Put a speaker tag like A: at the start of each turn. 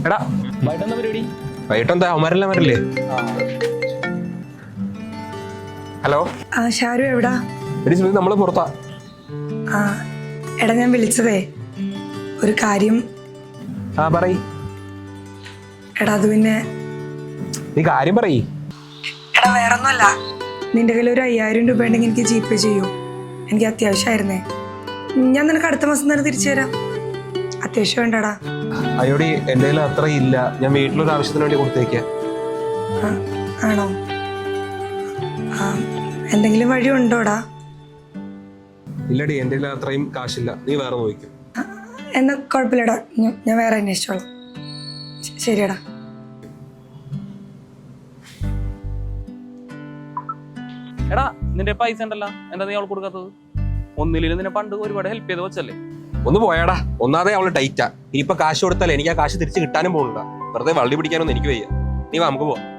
A: എടാ
B: വൈകിട്ടെന്താ പരിപാടി?
A: വൈകിട്ടെന്താ അവന്മാരെല്ലാം വരില്ലേ? ഹലോ
C: ഷാരു എവിടാ?
A: എടി സുനിൽ, നമ്മള് പുറത്താ.
C: ആ എടാ, ഞാൻ വിളിച്ചതേ ഒരു കാര്യം.
A: പറയ്.
C: എടാ അത് പിന്നെ
A: നീ കാര്യം പറയ്.
C: എടാ വേറൊന്നുമല്ല, നിന്റെ കയ്യിൽ ഒരു 5000 രൂപ ഉണ്ടെങ്കിൽ എനിക്ക് GPay ചെയ്യൂ. എനിക്ക് അത്യാവശ്യമായിരുന്നേ. ഞാൻ നിനക്ക് അടുത്ത മാസം തന്നെ തിരിച്ചു തരാം. അത്യാവശ്യം വേണ്ടടാ.
A: അയ്യോടി, എൻ്റെ കയ്യിൽ അത്ര ഇല്ല. ഞാൻ വീട്ടിലൊരു ആവശ്യത്തിന് വേണ്ടി കൊടുത്തേക്ക.
C: ആണോ? എന്തെങ്കിലും വഴി ഉണ്ടോടാ?
A: ഇല്ലടി, എൻ്റെ കയ്യിൽ അത്രയും കാശില്ല. നീ വേറെ നോക്കും.
C: എന്നാ കുഴപ്പമില്ലടാ, ഞാൻ വേറെ അന്വേഷിച്ചോളാം. ശരിയടാ.
B: എടാ നിന്റെ പൈസ ഉണ്ടല്ലോ, എന്താ നീ അവൾ കൊടുക്കാത്തത്? ഒന്നിലും നിന്നെ പണ്ട് ഒരുപാട് ഹെൽപ്പ് ചെയ്ത് വെച്ചല്ലേ?
A: ഒന്ന് പോയാടാ. ഒന്നാമതേ അവള് ടൈറ്റാ. ഇനിയിപ്പോ കാശ് കൊടുത്താലേ എനിക്ക് ആ കാശ് തിരിച്ച് കിട്ടാനും പോകുന്നുണ്ടാ. വെറുതെ വള്ളി പിടിക്കാനൊന്നും എനിക്ക് വയ്യ. നീ വാ, നമുക്ക് പോവാം.